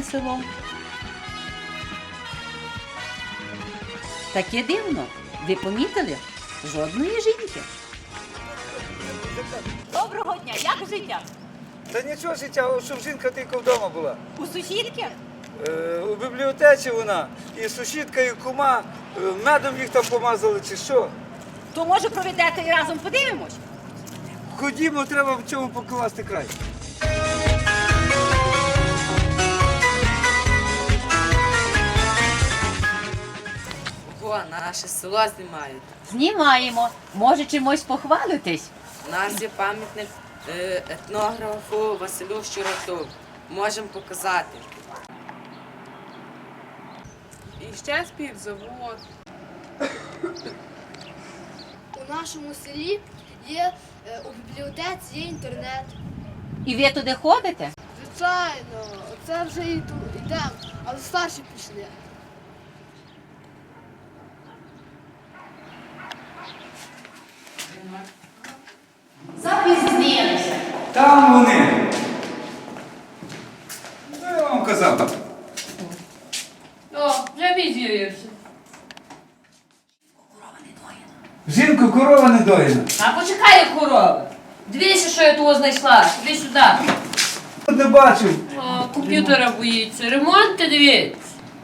пахне селом. Таке дивно. Ви помітили? Жодної жінки. Доброго дня, як життя? Та нічого життя, щоб жінка тільки вдома була. У сусідки? У бібліотеці вона, і сусідка, і кума, медом їх там помазали чи що. То може проведете і разом подивимось? Ходімо, треба в цьому покласти край. О, наше село знімають. Знімаємо. Може чимось похвалитись? У нас є пам'ятник етнографу Василю Щуроту. Можемо показати. І ще співзавод. У нашому селі є у бібліотеці є інтернет. І ви туди ходите? Звичайно, це вже йдемо, але старші пішли. Запізнилися. Там вони. Ну, я вам казав. О, вже від'явився. Жінку, корова не доїна. А почекай, як корова. Дивися, що я того знайшла. Іди сюди. Не бачив. О, комп'ютера боїться. Ремонт, ти дивись.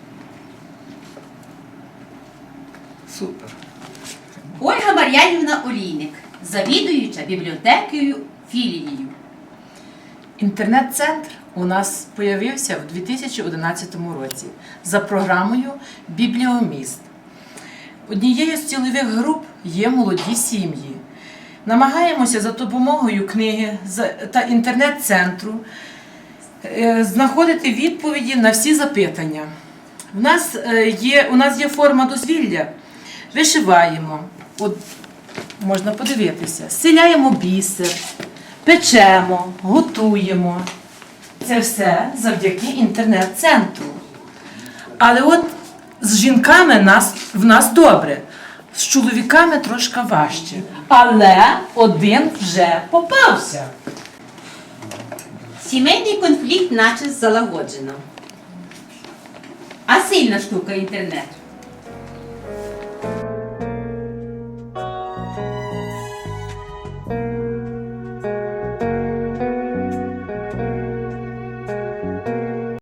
Супер. Ольга Мар'янівна Олійник, завідуюча бібліотекою філією. Інтернет-центр у нас з'явився в 2011 році за програмою «Бібліоміст». Однією з цільових груп є молоді сім'ї. Намагаємося за допомогою книги та інтернет-центру знаходити відповіді на всі запитання. У нас є форма дозвілля. Вишиваємо, от, можна подивитися, стиляємо бісер, печемо, готуємо. Це все завдяки інтернет-центру. Але от з жінками в нас добре, з чоловіками трошки важче. Але один вже попався. Сімейний конфлікт наче залагоджено. А сильна штука інтернет.